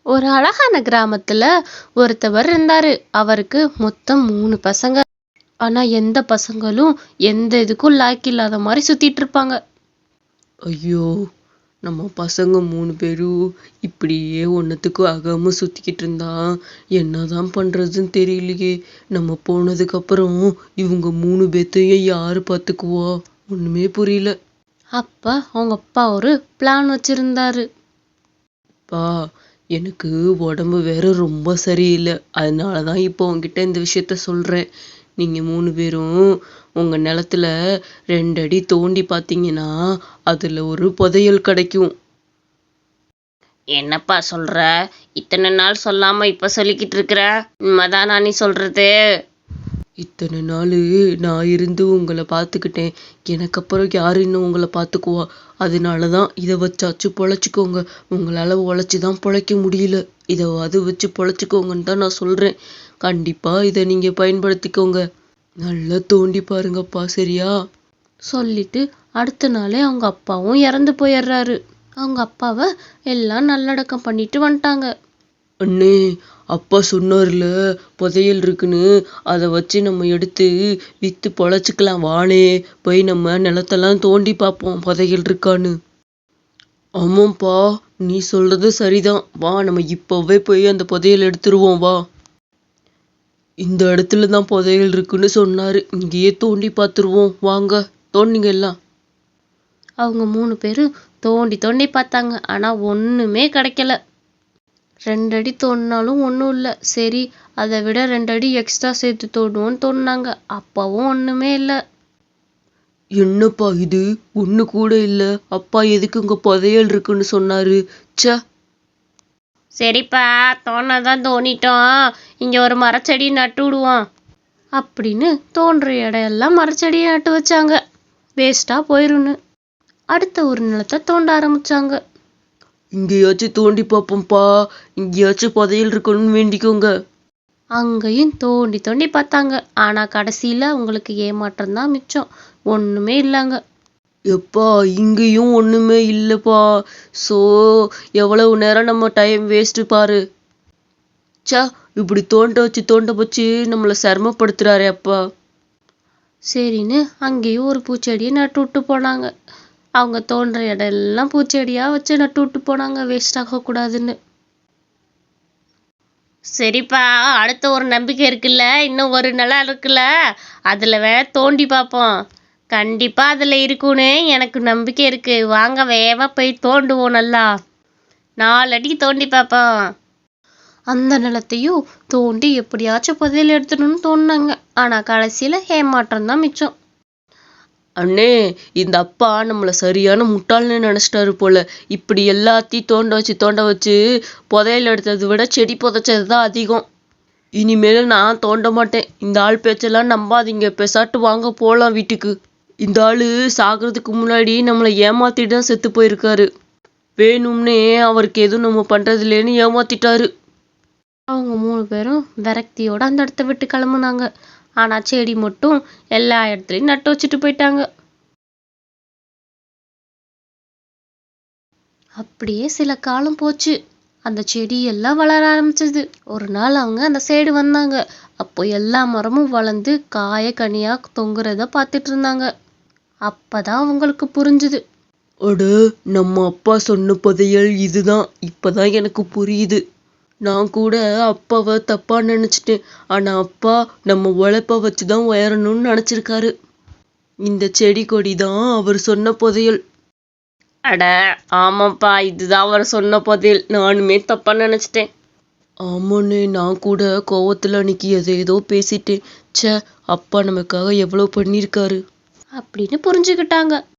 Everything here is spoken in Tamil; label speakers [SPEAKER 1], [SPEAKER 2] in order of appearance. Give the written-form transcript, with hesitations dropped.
[SPEAKER 1] ஒரு அழகான கிராமத்துல ஒருத்தவர் இருந்தாரு. அவருக்கு மொத்தம் 3 பசங்க. ஆனா எந்த பசங்களும் எந்த இதுக்கும் லாய்க்கு இல்லாத மாதிரி சுத்திட்டு இருப்பாங்க.
[SPEAKER 2] ஐயோ! நம்ம பசங்க 3 பேரும் இப்படியே ஒன்னத்துக்கும் ஆகாம சுத்திக்கிட்டு இருந்தா என்னதான் பண்றதுன்னு தெரியலையே. நம்ம போனதுக்கு அப்புறம் இவங்க 3 பேத்தையும் யாரு பாத்துக்குவா? ஒண்ணுமே புரியல.
[SPEAKER 1] அப்ப அவங்க அப்பா ஒரு பிளான் வச்சிருந்தாரு.
[SPEAKER 2] பா, எனக்கு உடம்பு வேற ரொம்ப சரியில்லை. அதனாலதான் இப்போ உங்ககிட்ட இந்த விஷயத்த சொல்றேன். நீங்க 3 பேரும் உங்க நிலத்துல 2 அடி தோண்டி பார்த்தீங்கன்னா அதுல ஒரு புதையல் கிடைக்கும்.
[SPEAKER 3] என்னப்பா சொல்ற? இத்தனை நாள் சொல்லாம இப்ப சொல்லிக்கிட்டு இருக்கிற? உண்மைதானா நீ சொல்றது?
[SPEAKER 2] இத்தனை நாள் நான் இருந்து உங்களை பார்த்துக்கிட்டேன். எனக்கு அப்புறம் யாரு இன்னும் உங்களை பார்த்துக்குவா? அதனாலதான் இதை வச்சாச்சு பொழைச்சிக்கோங்க. உங்களால உழைச்சிதான் பொழைக்க முடியல. இதை வச்சு பொழைச்சிக்கோங்கன்னு தான் நான் சொல்றேன். கண்டிப்பா இதை நீங்க பயன்படுத்திக்கோங்க. நல்லா தோண்டி பாருங்கப்பா, சரியா?
[SPEAKER 1] சொல்லிட்டு அடுத்த நாளே அவங்க அப்பாவும் இறந்து போயிடுறாரு. அவங்க அப்பாவை எல்லாம் நல்லடக்கம் பண்ணிட்டு வந்துட்டாங்க.
[SPEAKER 2] அண்ணே, அப்பா சொன்னார்ல புதையல் இருக்குன்னு, அதை வச்சு நம்ம எடுத்து வித்து பொழைச்சிக்கலாம். வானே, போய் நம்ம நிலத்தெல்லாம் தோண்டி பார்ப்போம் புதையல் இருக்கான்னு. ஆமாப்பா, நீ சொல்றது சரிதான். வா, நம்ம இப்பவே போய் அந்த புதையல் எடுத்துருவோம். வா. இந்த இடத்துல தான் புதையல் இருக்குன்னு சொன்னாரு. இங்கேயே தோண்டி பார்த்துருவோம். வாங்க, தோண்டிங்க எல்லாம்.
[SPEAKER 1] அவங்க 3 பேரும் தோண்டி தோண்டி பார்த்தாங்க. ஆனா ஒண்ணுமே கிடைக்கல. 2 அடி தோண்டினாலும் ஒன்றும் இல்லை. சரி, அதை விட 2 அடி எக்ஸ்ட்ரா சேர்த்து தோண்டுவோன்னு தோண்டினாங்க. அப்பவும் ஒண்ணுமே இல்லை.
[SPEAKER 2] என்னப்பா இது, ஒண்ணு கூட இல்ல. அப்பா எதுக்கு உங்க புதையல் இருக்குன்னு சொன்னாரு? ச்சே.
[SPEAKER 3] சரிப்பா, தோணதான் தோண்டிட்டோம். இங்க ஒரு மரச்செடி நட்டு விடுவோம்
[SPEAKER 1] அப்படின்னு தோன்ற இடையெல்லாம் மரச்செடியை நட்டு வச்சாங்க. வேஸ்டா போயிருன்னு அடுத்த ஒரு நிலத்தை தோண்ட ஆரம்பிச்சாங்க.
[SPEAKER 2] இங்கேயாச்சும் தோண்டி பார்ப்போம்ப்பா. இங்கேயாச்சும் புதையல் இருக்குன்னு வேண்டிக்கோங்க.
[SPEAKER 1] அங்கேயும் தோண்டி தோண்டி பார்த்தாங்க. ஆனா கடைசியில உங்களுக்கு ஏமாற்றம் தான் மிச்சம். ஒண்ணுமே இல்லைங்க.
[SPEAKER 2] எப்பா, இங்கேயும் ஒண்ணுமே இல்லப்பா. சோ, எவ்வளவு நேரம் நம்ம டைம் வேஸ்ட் பாரு. ச்சே, இப்படி தோண்ட வச்சு நம்மள சிரமப்படுத்துறாரே அப்பா.
[SPEAKER 1] சரின்னு அங்கேயும் ஒரு பூச்செடியை நட்டு விட்டு போனாங்க. அவங்க தோன்ற இடம்லாம் பூச்செடியா வச்சு நட்டு விட்டு போனாங்க, வேஸ்ட் ஆகக்கூடாதுன்னு.
[SPEAKER 3] சரிப்பா, அடுத்த ஒரு நம்பிக்கை இருக்குல்ல, இன்னும் ஒரு நிலம் இருக்குல்ல, அதுல வேற தோண்டி பார்ப்போம். கண்டிப்பா அதுல இருக்குன்னு எனக்கு நம்பிக்கை இருக்கு. வாங்க வேகமா போய் தோண்டுவோம். நல்லா 4 அடி தோண்டி பார்ப்போம்.
[SPEAKER 1] அந்த நிலத்தையும் தோண்டி எப்படியாச்சும் புதையல் எடுத்துடணும்னு தோணுனாங்க. ஆனா கடைசியில ஏமாற்றம் தான் மிச்சம்.
[SPEAKER 2] அண்ணே, இந்த அப்பா நம்மள சரியான முட்டாள்னு நினைச்சிட்டாரு போல. இப்படி எல்லாத்தையும் தோண்ட வச்சு புதையல் எடுத்ததை விட செடி புதைச்சது தான் அதிகம். இனிமேல் நான் தோண்ட மாட்டேன். இந்த ஆள் பேச்செல்லாம் நம்பாதீங்க. பெசாட்டு வாங்க போலாம் வீட்டுக்கு. இந்த ஆளு சாகிறதுக்கு முன்னாடி நம்மளை ஏமாத்திட்டு தான் செத்து போயிருக்காரு. வேணும்னே அவருக்கு எதுவும் நம்ம பண்றது இல்லைன்னு ஏமாத்திட்டாரு.
[SPEAKER 1] அவங்க 3 பேரும் விரக்தியோட அந்த இடத்த விட்டு கிளம்புனாங்க. ஆனா செடி மட்டும் எல்லா இடத்துலயும் நட்டு வச்சுட்டு போயிட்டாங்க. அப்படியே சில காலம் போச்சு. அந்த செடி எல்லாம் வளர ஆரம்பிச்சது. ஒரு நாள் அவங்க அந்த சைடு வந்தாங்க. அப்போ எல்லா மரமும் வளர்ந்து காய கனியா தொங்குறத பார்த்துட்டு இருந்தாங்க. அப்பதான் அவங்களுக்கு புரிஞ்சுது.
[SPEAKER 2] அட, நம்ம அப்பா சொன்ன புதையல் இதுதான். இப்பதான் எனக்கு புரியுது. நான் கூட அப்பாவை தப்பா நினைச்சிட்டேன். ஆனா அப்பா நம்ம உழைப்ப வச்சுதான் உயரணும்னு நினைச்சிருக்காரு. இந்த செடி கொடி தான் அவர் சொன்ன புதையல்.
[SPEAKER 3] அட ஆமாப்பா, இதுதான் அவர் சொன்ன பதில். நானுமே தப்பா நினைச்சிட்டேன்.
[SPEAKER 2] ஆமாண்ணே, நான் கூட கோவத்துல அன்னைக்கு ஏதோ பேசிட்டேன். ச்சே, அப்பா நமக்காக எவ்வளவு பண்ணியிருக்காரு
[SPEAKER 1] அப்படின்னு புரிஞ்சுக்கிட்டாங்க.